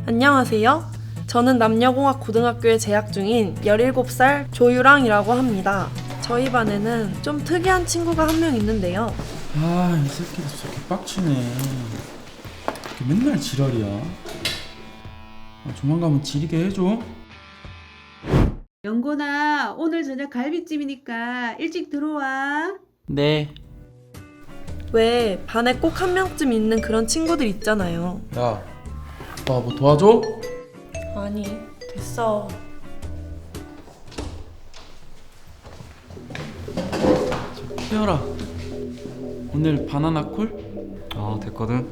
안녕하세요. 저는 남녀공학 고등학교에 재학 중인 17살 조유랑이라고 합니다. 저희 반에는 좀 특이한 친구가 한 명 있는데요. 아, 이 새끼도 저렇게 빡치네. 이렇게 맨날 지랄이야. 조만간 지리게 해줘. 영곤아, 오늘 저녁 갈비찜이니까 일찍 들어와. 네. 왜 반에 꼭 한 명쯤 있는 그런 친구들 있잖아요. 야, 나 뭐 도와줘? 아니, 됐어. 태열아, 오늘 바나나 콜? 됐거든.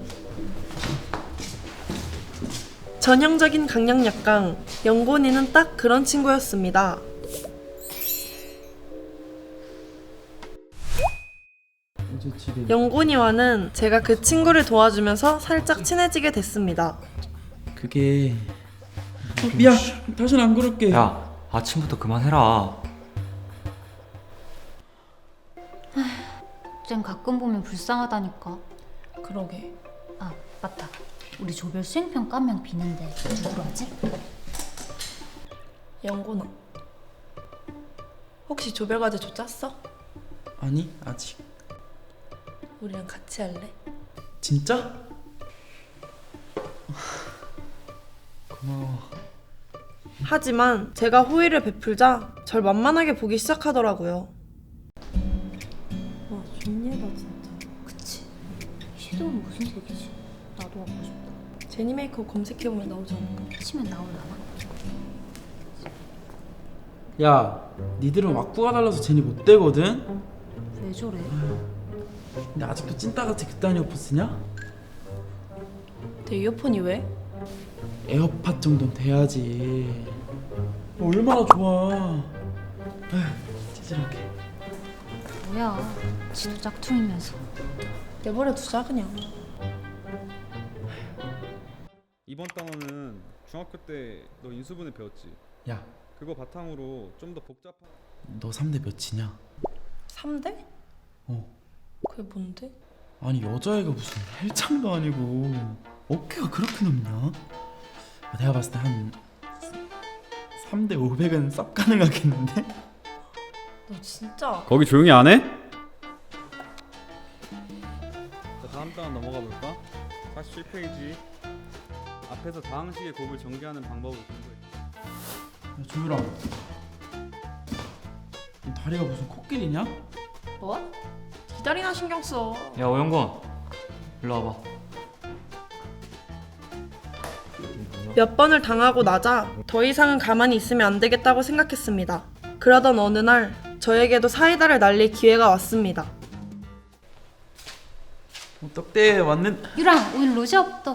전형적인 강약약강, 영곤이는 딱 그런 친구였습니다. 어제 집에 영곤이와는 제가 그 친구를 도와주면서 살짝 친해지게 됐습니다. 그게 미안, 다시는 안 그럴게. 야, 아침부터 그만해라. 쟨 가끔 보면 불쌍하다니까. 그러게. 아, 맞다. 우리 조별 수행평가 한 명 비는데 누구로 하지? 영곤아, 혹시 조별과제 조 짰어? 아니, 아직. 우리랑 같이 할래? 진짜? 고마워. 하지만 제가 호의를 베풀자 절 만만하게 보기 시작하더라고요. 와, 좋네다 진짜. 그치. 이 섀도우는 무슨 색이지? 나도 하고 싶다. 제니 메이크업 검색해보면 나오지 않을까? 치면 나올라나? 야, 니들은 왁구가 달라서 제니 못 되거든? 왜 저래? 근데 아직도 찐따같이 그딴 이어폰 쓰냐? 내 이어폰이 왜? 에어팟 정도는 돼야지. 얼마나 좋아. 에휴, 찌질하게. 뭐야. 지도 짝퉁이면서. 내버려 두자 그냥. 이번 단어는 중학교 때 너 인수분해 배웠지? 야, 그거 바탕으로 좀 더 복잡한 너 3대 몇이냐? 3대? 어. 그게 뭔데? 아니, 여자애가 무슨 헬창도 아니고 어깨가 그렇게 높냐? 내가 봤을 때 한 3대 500은 쌉 가능하겠는데? 너 진짜 거기 조용히 안 해? 자, 다음 단어 넘어가 볼까? 47페이지 앞에서 다항식의 곱을 전개하는 방법을 공부해. 야, 조유라, 너 다리가 무슨 코끼리냐? 뭐? 기다리나 신경 써. 야, 오영건, 일로 와봐. 몇 번을 당하고 나자 더 이상은 가만히 있으면 안 되겠다고 생각했습니다. 그러던 어느 날 저에게도 사이다를 날릴 기회가 왔습니다. 떡대 왔는. 유랑, 오늘 로제 없다.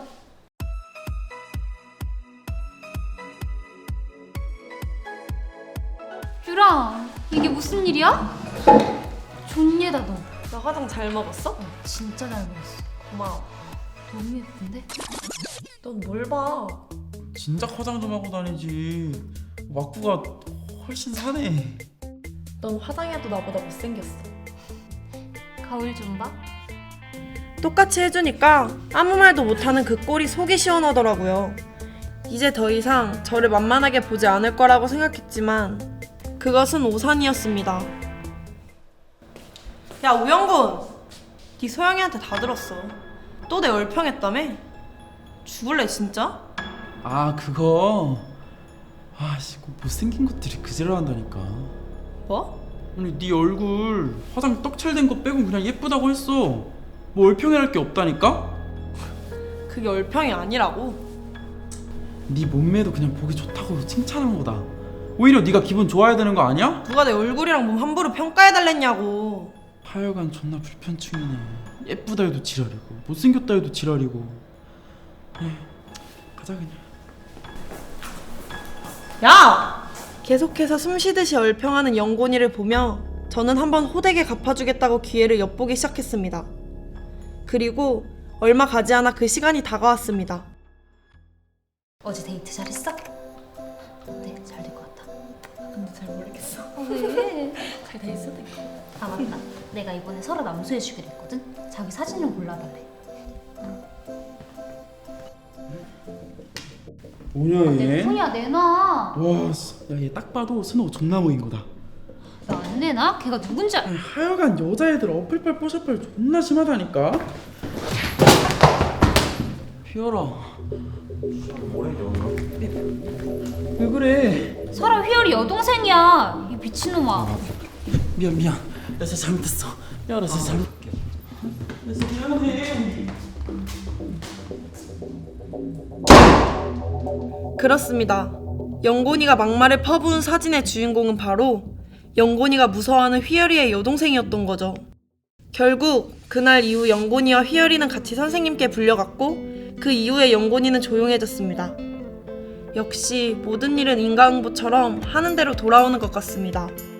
유랑, 이게 무슨 일이야? 존예다 너. 나 화장 잘 먹었어? 진짜 잘 먹었어. 고마워. 너무 예쁜데? 넌 뭘 봐? 진작 화장 좀 하고 다니지. 왁구가 훨씬 사네. 넌 화장해도 나보다 못생겼어. 거울 좀 봐. 똑같이 해주니까 아무 말도 못하는 그 꼴이 속이 시원하더라고요. 이제 더 이상 저를 만만하게 보지 않을 거라고 생각했지만 그것은 오산이었습니다. 야, 우영군! 네 소영이한테 다 들었어. 또 내 얼평했다며? 죽을래 진짜? 아, 그거. 아씨, 못생긴 것들이 그지랄한다니까. 뭐? 아니, 네 얼굴 화장 떡칠된 거 빼고 그냥 예쁘다고 했어. 뭐 얼평이랄 게 없다니까? 그게 얼평이 아니라고. 네 몸매도 그냥 보기 좋다고 칭찬한 거다. 오히려 네가 기분 좋아야 되는 거 아니야? 누가 내 얼굴이랑 몸 함부로 평가해달랬냐고. 하여간 존나 불편충이네. 예쁘다 해도 지랄이고 못생겼다 해도 지랄이고. 에이, 가자 그냥. 야! 계속해서 숨쉬듯이 얼평하는 영곤이를 보며 저는 한번 호되게 갚아주겠다고 기회를 엿보기 시작했습니다. 그리고 얼마 가지 않아 그 시간이 다가왔습니다. 어제 데이트 잘했어? 어때? 잘 될 것 같아? 근데 잘 모르겠어. 왜? 잘 돼 있어도 돼. 아, 맞다. 내가 이번에 설아 남수해주기로 했거든? 자기 사진 좀 골라달래. 뭐냐 내 얘? 폰이야 내놔. 와, 야 얘 딱 봐도 스노우 존나 모인 거다. 너 안 내놔? 걔가 누군지 아니, 하여간 여자애들 어플빨 뽀샤빨 존나 심하다니까. 휘열아. 왜 그래? 설아 휘열이 여동생이야. 이 미친놈아. 미안. 나 진짜 잘못했어. 야, 나 진짜 잘못. 나 진짜 미안해. 그렇습니다. 영곤이가 막말을 퍼부은 사진의 주인공은 바로 영곤이가 무서워하는 휘열이의 여동생이었던 거죠. 결국 그날 이후 영곤이와 휘열이는 같이 선생님께 불려갔고 그 이후에 영곤이는 조용해졌습니다. 역시 모든 일은 인과응보처럼 하는 대로 돌아오는 것 같습니다.